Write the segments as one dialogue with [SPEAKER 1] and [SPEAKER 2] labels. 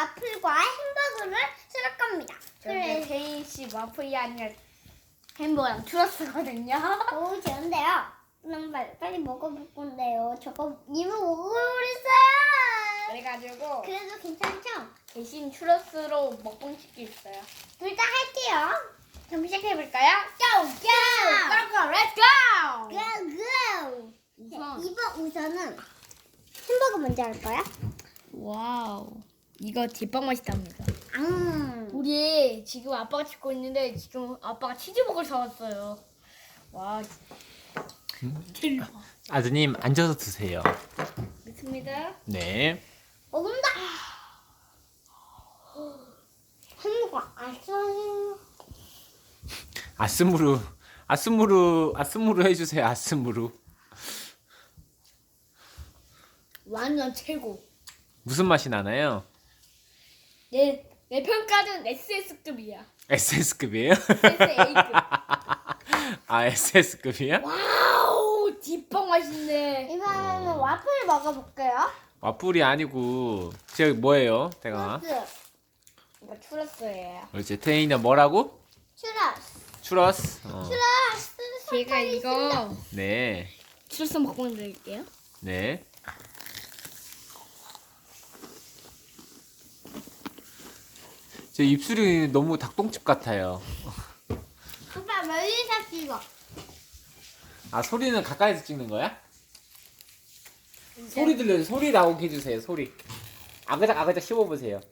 [SPEAKER 1] 와플과 햄버거를 쓸 겁니다.
[SPEAKER 2] 근데 태인 씨 와플이 아니라 햄버거랑 추러스거든요.
[SPEAKER 1] 오, 좋은데요. 그럼 빨리 먹어볼 건데요. 저거 이미 먹어버렸어요.
[SPEAKER 2] 그래가지고
[SPEAKER 1] 그래도 괜찮죠?
[SPEAKER 2] 대신 추러스로 먹방 시킬 있어요.
[SPEAKER 1] 둘 다 할게요.
[SPEAKER 2] 그럼 시작해볼까요?
[SPEAKER 1] 고! 고!
[SPEAKER 2] 고고 렛츠고!
[SPEAKER 1] 고! 고!
[SPEAKER 2] 우선
[SPEAKER 1] 이번 우선은 햄버거 먼저 할 거야?
[SPEAKER 2] 와우 이거 뒷방 맛있답니다.
[SPEAKER 1] 우리
[SPEAKER 2] 우리 지금 아빠가 찍고 있는데 지금 아빠가 치즈버거를 사왔어요. 와 대박.
[SPEAKER 3] 아드님 앉아서 드세요.
[SPEAKER 2] 믿습니다.
[SPEAKER 3] 네.
[SPEAKER 1] 먹는다. 햄버거 아쉬워요.
[SPEAKER 3] 아스무르 해주세요. 아스무르.
[SPEAKER 2] 완전 최고.
[SPEAKER 3] 무슨 맛이 나나요?
[SPEAKER 2] 내 평가는 SS급이야.
[SPEAKER 3] SS급이에요?
[SPEAKER 2] SSA급.
[SPEAKER 3] 아 SS급이야?
[SPEAKER 2] 와우 뒷방 맛있네.
[SPEAKER 1] 이번에는 와플 먹어볼게요.
[SPEAKER 3] 와플이 아니고 저 뭐예요? 내가
[SPEAKER 1] 추러스.
[SPEAKER 2] 이거 추러스예요.
[SPEAKER 3] 그렇지. 태인이는 뭐라고?
[SPEAKER 1] 추러스.
[SPEAKER 3] 추러스.
[SPEAKER 1] 추러스.
[SPEAKER 2] 제가 이거
[SPEAKER 3] 네.
[SPEAKER 2] 추러스 먹고 드릴게요.
[SPEAKER 3] 네. 제 입술이 너무 닭똥집 같아요.
[SPEAKER 1] 오빠 멀리서 찍어.
[SPEAKER 3] 아 소리는 가까이서 찍는 거야? 소리 들려요. 소리 나오게 해주세요. 소리. 아그작 아그작 씹어보세요.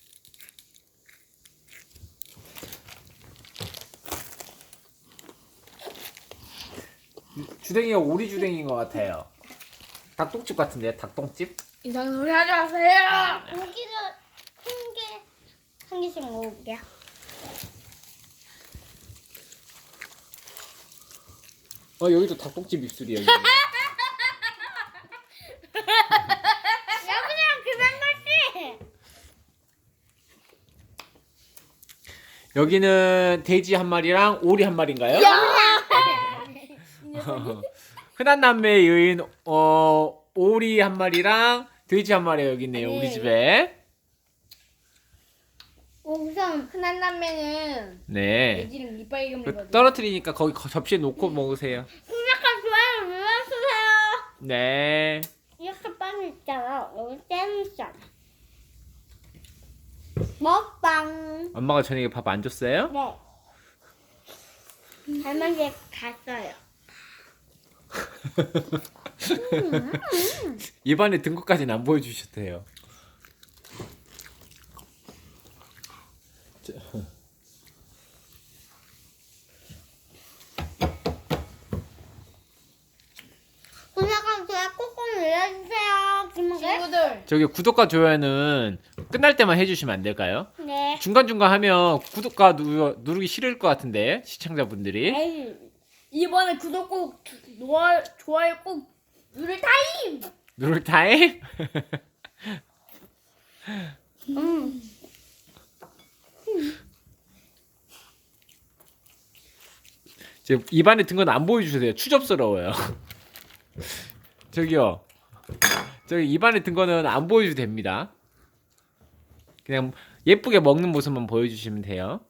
[SPEAKER 3] 주댕이가 오리 주댕이인 것 같아요. 닭똥집 같은데요? 닭똥집?
[SPEAKER 2] 이상한 소리 하지 마세요.
[SPEAKER 1] 고기를 한 개씩 먹어볼게요.
[SPEAKER 3] 여기도 닭똥집 입술이에요. 여기.
[SPEAKER 1] 여기랑 그만 같이.
[SPEAKER 3] 여기는 돼지 한 마리랑 오리 한 마리인가요? 흔한 남매의 여인 오리 한 마리랑 돼지 한 마리 여기 있네요. 우리 집에.
[SPEAKER 1] 우선
[SPEAKER 2] 흔한 남매는
[SPEAKER 3] 네.
[SPEAKER 2] 돼지는 이빨금이거든요.
[SPEAKER 3] 떨어뜨리니까 거기 접시에 놓고 먹으세요.
[SPEAKER 1] 구독과 좋아요 눌러주세요.
[SPEAKER 3] 네.
[SPEAKER 1] 이렇게 빵 있잖아. 여기 잼 있잖아. 먹방.
[SPEAKER 3] 엄마가 저녁에 밥 안 줬어요?
[SPEAKER 1] 네. 할머니 갔어요.
[SPEAKER 3] 입안에 든 것까지는 안 보여주셨대요.
[SPEAKER 1] 구독과 좋아요 꾹꾹 눌러주세요.
[SPEAKER 2] 친구들
[SPEAKER 3] 저기 구독과 좋아요는 끝날 때만 해주시면 안 될까요?
[SPEAKER 1] 네.
[SPEAKER 3] 중간중간 하면 구독과 누르기 싫을 것 같은데 시청자분들이.
[SPEAKER 1] 에이.
[SPEAKER 2] 이번에 구독 꼭 좋아요 꼭 누를 타임.
[SPEAKER 3] 누를 타임? 지금 입안에 든 건 안 보여주세요. 추접스러워요. 저기요. 저기 입안에 든 거는 안 보여줘도 됩니다. 그냥 예쁘게 먹는 모습만 보여주시면 돼요.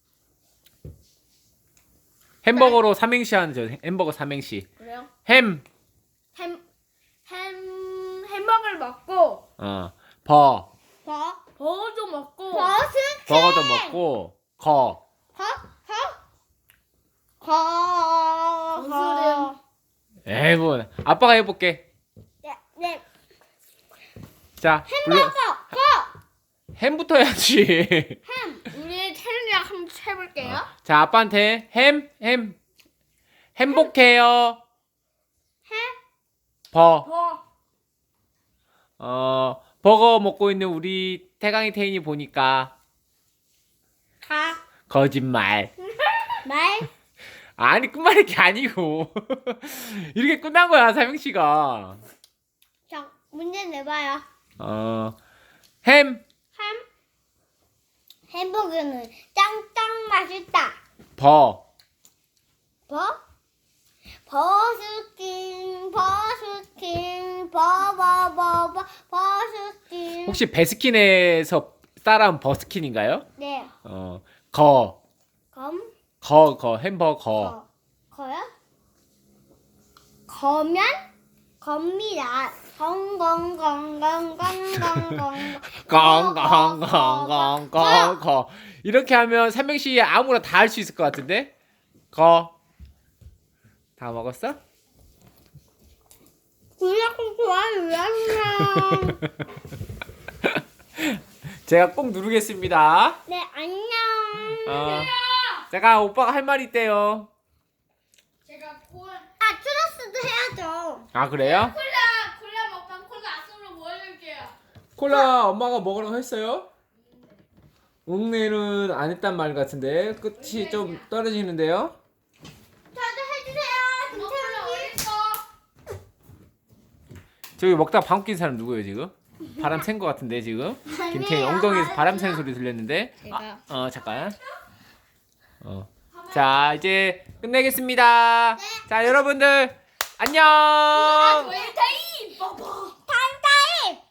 [SPEAKER 3] 햄버거로 삼행시 하는 저 햄버거 삼행시.
[SPEAKER 2] 그래요?
[SPEAKER 3] 햄,
[SPEAKER 2] 햄버거를 먹고
[SPEAKER 3] 버,
[SPEAKER 2] 버거도 먹고
[SPEAKER 1] 버스.
[SPEAKER 3] 버거도 먹고, 거.
[SPEAKER 2] 거스름.
[SPEAKER 3] 에이 뭐 아빠가 해볼게.
[SPEAKER 1] 네.
[SPEAKER 3] 자,
[SPEAKER 1] 햄버거.
[SPEAKER 3] 햄부터 해야지.
[SPEAKER 2] 우리 촬영이랑 한번 해볼게요.
[SPEAKER 3] 자, 아빠한테 행복해요. 버. 버거 먹고 있는 우리 태강이 태인이 보니까 거짓말.
[SPEAKER 1] 말.
[SPEAKER 3] 아니 끝말이 게 아니고 이렇게 끝난 거야 삼행시가.
[SPEAKER 1] 자, 문제 내봐요. 햄버거는 짱짱 맛있다.
[SPEAKER 3] 버.
[SPEAKER 1] 버스킹, 버스킹, 버스킹.
[SPEAKER 3] 혹시 베스킨에서 쌀은 버스킨인가요?
[SPEAKER 1] 네.
[SPEAKER 3] 거
[SPEAKER 1] 검.
[SPEAKER 3] 햄버거.
[SPEAKER 1] 거요? 거면 겁니다. 건건건건건건건건.
[SPEAKER 3] 거. 이렇게 하면 삼행시 아무나 다 할 수 있을 것 같은데? 거. 다 먹었어?
[SPEAKER 1] 구독 좋아요 눌러주세요.
[SPEAKER 3] 제가 꼭 누르겠습니다.
[SPEAKER 1] 네 안녕.
[SPEAKER 3] 제가 오빠가 할 말이 있대요.
[SPEAKER 2] 제가
[SPEAKER 1] 추러스도 해야죠.
[SPEAKER 3] 아 그래요?
[SPEAKER 2] 콜라 먹방 콜라 악수로 보여줄게요.
[SPEAKER 3] 콜라 엄마가 먹으라고 했어요? 웅내는 안 했단 말 같은데 끝이 좀 떨어지는데요?
[SPEAKER 1] 저도 해주세요.
[SPEAKER 2] 콜라 어딨어?
[SPEAKER 3] 저기 먹다가 방귀 낀 사람 누구예요 지금? 바람 쐴 것 같은데 지금? 김태희 엉덩이에서 바람 새는 소리 들렸는데?
[SPEAKER 2] 제가
[SPEAKER 3] 잠깐. 자 이제 끝내겠습니다. 자 여러분들 안녕.
[SPEAKER 2] 왜 타임? 뽀뽀.